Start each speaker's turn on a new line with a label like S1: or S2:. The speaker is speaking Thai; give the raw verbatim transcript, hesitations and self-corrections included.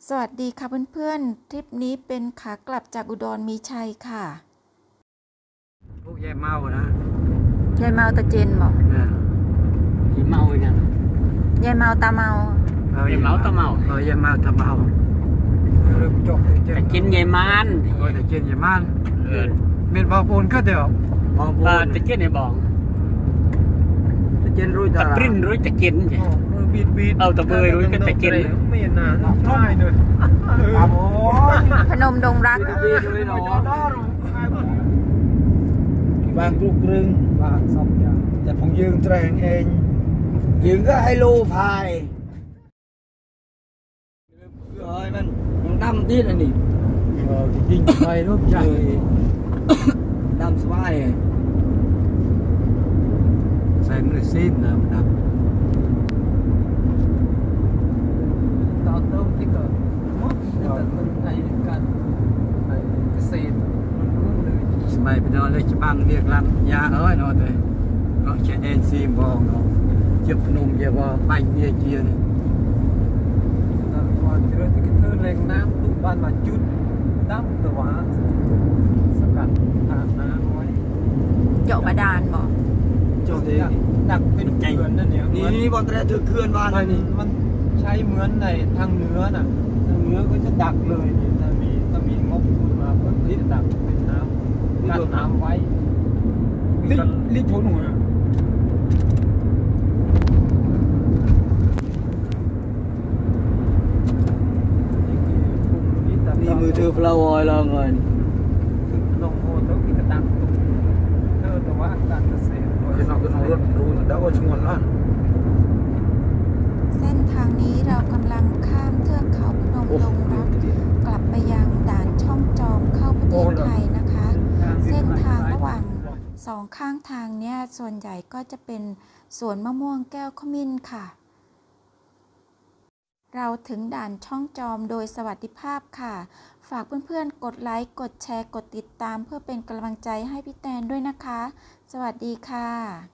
S1: สวัสดีค่ะเพื่อนๆทริปนี้เป็นขากลับจากอุดรมีชัยค่ะ
S2: พวกยายเมานะ
S1: ยายเมาตาเจนบอก
S2: เนี่ยยายเมาเนี่ย
S1: ยายเมาตาเมาย
S2: ายเมาตาเมาเออยายเมาตาเมาเริ่มจบ
S3: แต่กินยายมัน
S2: โอ้ยแต่กินยายมันเออเมียนบางปูนก็เดี๋ยวบางปูน
S3: แต่กินไอ้บอง
S2: แต่กินรู้จัก
S3: ตะปริ้นรู้จะกินใช่
S2: บีดบีด
S3: เอาตะเบยรู้ก็จะกิน
S2: เมียนน่ะน้อยเลย
S1: พนมดงรัก
S2: บางกรุกรึงบางสองอย่างแต่ผมยืนแตงเองยืนก็ให้ลูพายเฮ้ยมันมันดำที่ไหนนี่เออจริงไปรูปใหญ่ดำสบายใส่มือซีนนะมันดำตอนต้นที่เกิดมันไอ้การไอ้เกษตรมันรู้เลยสมัยเป็นอะไรจะบังเรียกลำยาเอ้ยเนาะเลยก็ใช้เอ็นซีมองเนาะเจ็บนุ่มเจ็บว่าไปเบียเจียนตอนก่อนเจอที่กระเทือนแรงน้ำตุกบ้านมาจุดน้ำตัวสกัดทางน้ำไว้
S1: เจาะบาดาลบอก
S2: เจาะที่ดักเป็นเขื่อนนั่นเนี่ยนี่นี่บอลแต่ถือเขื่อนบ้านนี่มันใช้เหมือนในทางเหนือน่ะทางเหนือก็จะดักเลยถ้ามีถ้ามีงบทุนมาเพื่อที่จะดักเป็นน้ำกั้นน้ำไว้ลิลิทนหัวนี่มือถือฟลาวอยแล้วไงลงโมต้องมีกระตังเธอแต่ว่าการเกษตรคือเราเป็นรถรู้แต่ว่าชงวนละ
S1: เส้นทางนี้เรากำลังข้ามเทือกเขาพนมดงรักกลับไปยังด่านช่องจอมเข้าประเทศไทยนะคะเส้นทางระหว่างสองข้างทางเนี้ยส่วนใหญ่ก็จะเป็นสวนมะม่วงแก้วขมิ้นค่ะเราถึงด่านช่องจอมโดยสวัสดิภาพค่ะฝากเพื่อนๆกดไลค์กดแชร์กดติดตามเพื่อเป็นกำลังใจให้พี่แตนด้วยนะคะสวัสดีค่ะ